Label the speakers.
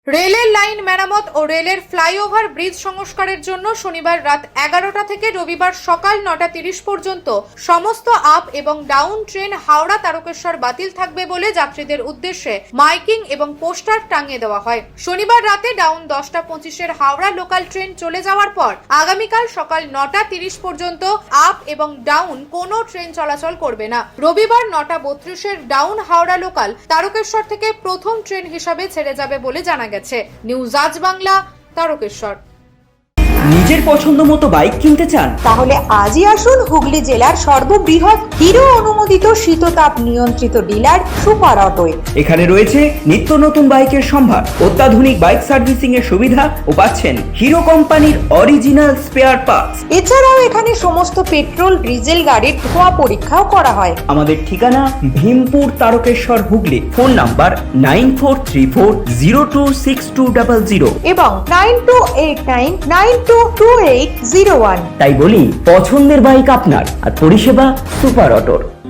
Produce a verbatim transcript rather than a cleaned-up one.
Speaker 1: রেলের লাইন মেরামত ও রেলের ফ্লাইওভার ব্রিজ সংস্কারের জন্য শনিবার রাত এগারোটা থেকে রবিবার সকাল নটা তিরিশ পর্যন্ত সমস্ত আপ এবং ডাউন ট্রেন হাওড়া তারকেশ্বর বাতিল থাকবে বলে যাত্রীদের উদ্দেশ্যে মাইকিং এবং পোস্টার টাঙিয়ে দেওয়া হয়। শনিবার রাতে ডাউন দশটা পঁচিশের হাওড়া লোকাল ট্রেন চলে যাওয়ার পর আগামীকাল সকাল নটা তিরিশ পর্যন্ত আপ এবং ডাউন কোনো ট্রেন চলাচল করবে না। রবিবার নটা বত্রিশের ডাউন হাওড়া লোকাল তারকেশ্বর থেকে প্রথম ট্রেন হিসাবে ছেড়ে যাবে বলে জানা গেছে। নিউজ আজ বাংলা, তারকেশ্বর।
Speaker 2: নিজের পছন্দ মতো বাইক কিনতে চান?
Speaker 3: তাহলে আজই আসুন হুগলি জেলার সর্ববৃহৎ হিরো অনুমোদিত শীততাপ নিয়ন্ত্রিত ডিলার সুপার অটোয়।
Speaker 2: এখানে রয়েছে নিত্য নতুন বাইকের সম্ভার, অত্যাধুনিক বাইক সার্ভিসিং এর সুবিধা ও পাচ্ছেন হিরো কোম্পানির অরিজিনাল স্পেয়ার পার্টস।
Speaker 3: এছাড়াও এখানে সমস্ত পেট্রোল ডিজেল গাড়ির ধোঁয়া পরীক্ষাও করা হয়।
Speaker 2: আমাদের ঠিকানা Bhimpur, Tarakeswar, Hooghly. Phone number nine four three four zero two six two double zero
Speaker 3: এবং nine two eight nine nine two two eight zero one.
Speaker 2: তাই বলি, পছন্দের বাইক আপনার আর পরিষেবা সুপার অটোর।